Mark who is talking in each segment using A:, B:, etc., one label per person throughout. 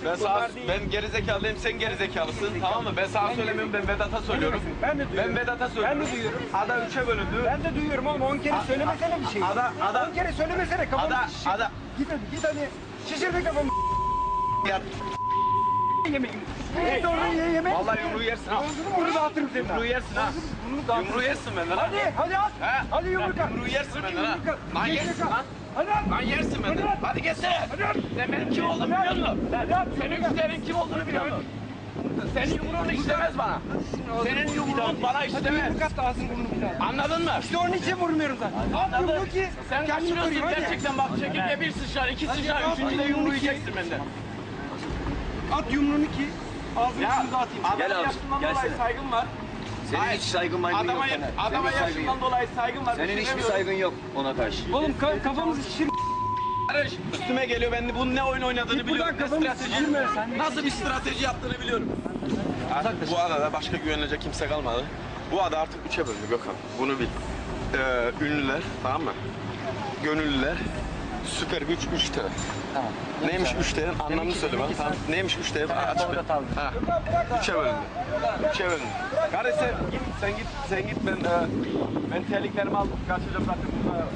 A: Ben gerizekalıyım, sen gerizekalısın, tamam mı? Ben sana söylemiyorum, ben Vedat'a söylüyorum.
B: Ben de duyuyorum.
A: Ben Vedat'a söylüyorum.
B: Ben de duyuyorum.
A: Ada 3'e bölündü.
B: Ben de duyuyorum oğlum 10 kere söylemesene bir şey. 10 kere söylemesene kafamı şişir. Git hadi şişir bir kafamı.
A: Ya.
B: Yemeğini. Git oradan ye yemek.
A: Vallahi yumruğu yersin ha.
B: Bunu dağıtırım seni.
A: Yumruğu yersin ha. Yumruğu yersin benden ha.
B: Hadi at.
A: He?
B: Hadi yumruk at.
A: Yumruğu yersin benden ha. Lan
B: Hadi
A: yersin lan.
B: Hadi at.
A: Lan yersin benden. Hadi geçsene. Sen benim kim olduğumu biliyor musun? Senin güçlerin kim olduğunu biliyor musun? Senin yumruğun işlemez bana. Senin yumruğun bana işlemez.
B: Yumruk at da ağzını burnunu bir daha.
A: Anladın mı?
B: İşte onun için vurmuyorum zaten. At yumruğu ki
A: Sen
B: kendini
A: kaçırıyorsun
B: koruyayım hadi.
A: gerçekten bak çekirge bir sıçrar, iki sıçrar, üçüncü de yumruğu yiyeceksin benden.
B: At yumruğunu ki ağzını burnunu dağıtayım.
A: Adama yaşından dolayı saygım var.
C: Senin hiç saygın maygın yok.
A: Adama yaşından dolayı saygım var.
C: Senin hiçbir saygın yok ona karşı.
B: Oğlum kafamızı şişir.
A: Karış, üstüme geliyor, ben de bunun ne oyun oynadığını biliyorum, ne
B: kafamı
A: strateji,
B: şişirme sen.
A: nasıl bir strateji yaptığını biliyorum. Artık bu adada başka güvenilecek kimse kalmadı. Bu ada artık 3'e bölündü Gökhan, bunu bil. Ünlüler, tamam mı? Gönüllüler, süper güç 3T.
C: Tamam.
A: Neymiş 3T'nin anlamını söyle bana. Tamam. Neymiş 3T? Aç be. Ha. 3'e bölündü. 3'e bölündü. Kardeş sen git ben terliklerimi aldım, kaçacağım zaten burada.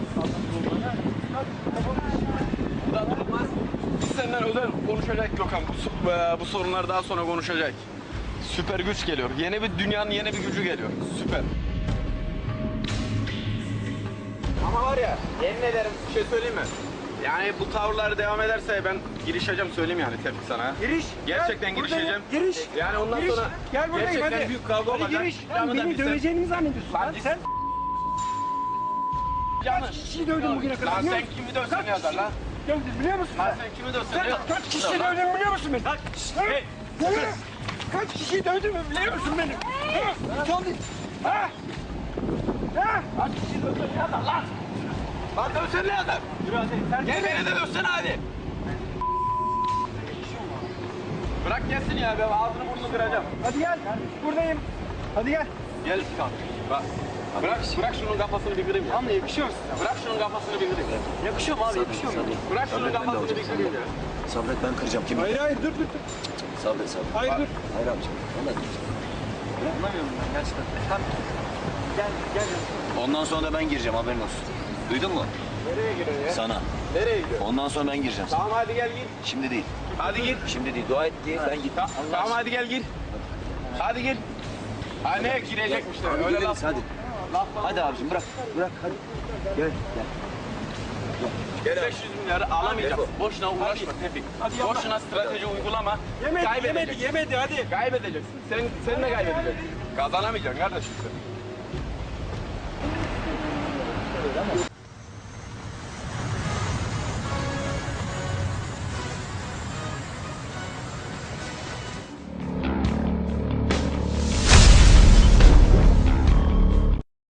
A: Bu da durmaz. Biz senden özel konuşacak Gökhan. Bu sorunlar daha sonra konuşacak. Süper güç geliyor. Yeni bir dünyanın yeni bir gücü geliyor. Süper. Ama var ya, yemin ederim bir şey söyleyeyim mi? Yani bu tavırlar devam ederse ben girişeceğim söyleyeyim yani Tevfik sana.
B: Giriş.
A: Gerçekten
B: Gel,
A: girişeceğim.
B: Giriş.
A: Yani ondan
B: Giriş.
A: sonra
B: Gel buradayım
A: gerçekten
B: hadi.
A: büyük kavga
B: Hadi
A: olacak.
B: giriş.
A: Canı da
B: Beni
A: bilsen.
B: döveceğini mi zannediyorsun
A: Lan
B: lan sen? Kaç kişiyi dövdün bugüne kadar?
A: Lan
B: biliyor
A: sen
B: musun?
A: kimi dövsen
B: Kaç
A: ne yazar lan?
B: Dövdün biliyor musun?
A: Lan sen kimi dövsen ne yazar?
B: Kaç kişi dövdün biliyor musun beni?
A: Hey.
B: Kaç kişi dövdün mü biliyor musun beni? Son değil. Ha? Ha?
A: Kaç kişi dövsen ne yazar lan? Lan dövsen ne yazar? Gel beni de dövsene hadi. Bırak gelsin ya, ben ağzını burnunu kıracağım.
B: Hadi gel. Buradayım. Hadi gel.
A: Gel kalk. Bak. Bırak şunun kafasını bir kırayım ya.
B: Tamam yakışıyor musun?
A: Bırak şunun kafasını bir kırayım ya.
B: Yakışıyor mu abi? Yakışıyor mu?
A: Bırak şunun kafasını bir kırayım ya.
C: Sabret ben kıracağım kimi?
B: Hayır dur.
C: Sabret.
B: Hayır dur.
C: Hayır abicim. Vallahi
B: Anlamıyorum ben gerçekten. Tamam. Gel.
C: ondan sonra da ben gireceğim haberin olsun. Duydun mu?
A: Nereye giriyor ya?
C: Sana.
A: Nereye gidiyor?
C: Ondan sonra ben gireceğim sana.
A: Tamam hadi gel gir.
C: Şimdi değil.
A: Hadi gir.
C: Şimdi değil. Dua et diye ben gittim.
A: Tamam hadi gel gir. Hadi gir. Ha ne girecekmiş de öyle laf.
C: Hadi. Hadi abicim bırak hadi. Gel.
A: 500 milyarı alamayacağız. Boşuna uğraşma Tevfik. Boşuna strateji uygulama.
B: Yemedi hadi.
A: Kaybedeceksin. Sen de kaybedeceksin. Kazanamayacaksın kardeşim sen.